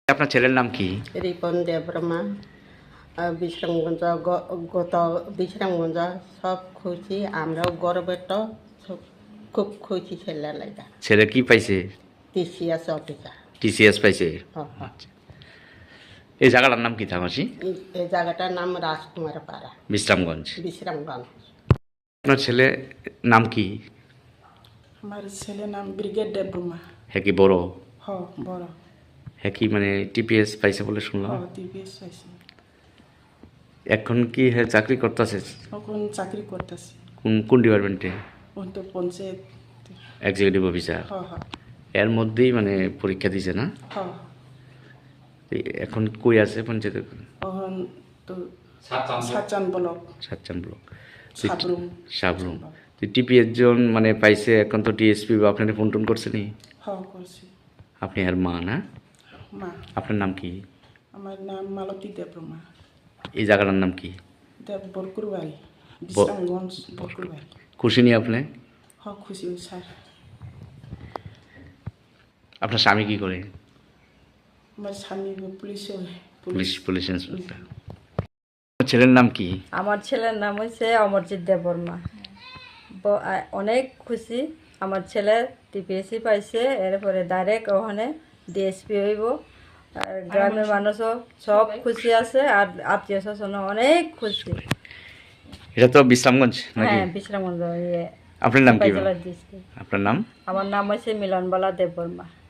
আপনার ছেলের নাম কি? রিপন দেববর্মা। বিশ্রামগঞ্জ গত বিশ্রামগঞ্জ সব খুশি, আমরাও গর্বিত, খুব খুশি ছেলে লাগা। ছেলে কি পাইছে? TCS officer. টিসিএস পাইছে। হ্যাঁ। আচ্ছা, এই জায়গাটার নাম কি থামাসি? এই জায়গাটার নাম রাজকুমার পাড়া, বিশ্রামগঞ্জ। বিশ্রামগঞ্জ। আপনার ছেলে নাম কি? আমার ছেলের নাম ব্রিগেড দেববর্মা। হ্যাঁ কি বড়? বড়। হ্যাঁ কি মানে টিপিএস পাইছে বলে শুনলাম। টিপিএস পাইছে। এখন কি হ্যাঁ চাকরি করতেছে? এখন চাকরি করতেছি। কোন ডিপার্টমেন্টে? তো পঞ্চায়েত। Executive officer. এর মধ্যেই মানে পরীক্ষা দিছে না? এখন কই আছে পঞ্চায়েত? এখন তো সাতচান ব্লক। সাতচান ব্লক, সাবরুম। টিপিএস জন মানে পাইছে, এখন তো টিএসপি বা আপনার ফোন টোন করছে নি? করছি। আপনি আর মা না? মা। আপনার নাম কি? আমার নাম মালতী দেববর্মা। এই জায়গাটার নাম কি? বরকুর বাড়ি, বিশ্রামগঞ্জ বরকুর বাড়ি। খুশি নি আপনি? খুশি স্যার। আপনার স্বামী কি করে? আমার স্বামী পুলিশে। Police inspector. ছেলের নাম কি? আমার ছেলের নাম হচ্ছে অমরজিৎ দেববর্মা। অনেক খুশি, আমার ছেলে টিপিএসসি পাইছে, এরপরে ডাইরেক্ট ওখানে ডিএসপি হইব। আর গ্রামের মানুষও সব খুশি আছে, আর আত্মীয় স্বজন অনেক খুশি। এটা তো বিশ্রামগঞ্জ নাকি? হ্যাঁ, বিশ্রামগঞ্জ। আপনার নাম কি? ডিস্ট্রিক্ট। আপনার নাম? আমার নাম হচ্ছে মিলনবালা দেববর্মা।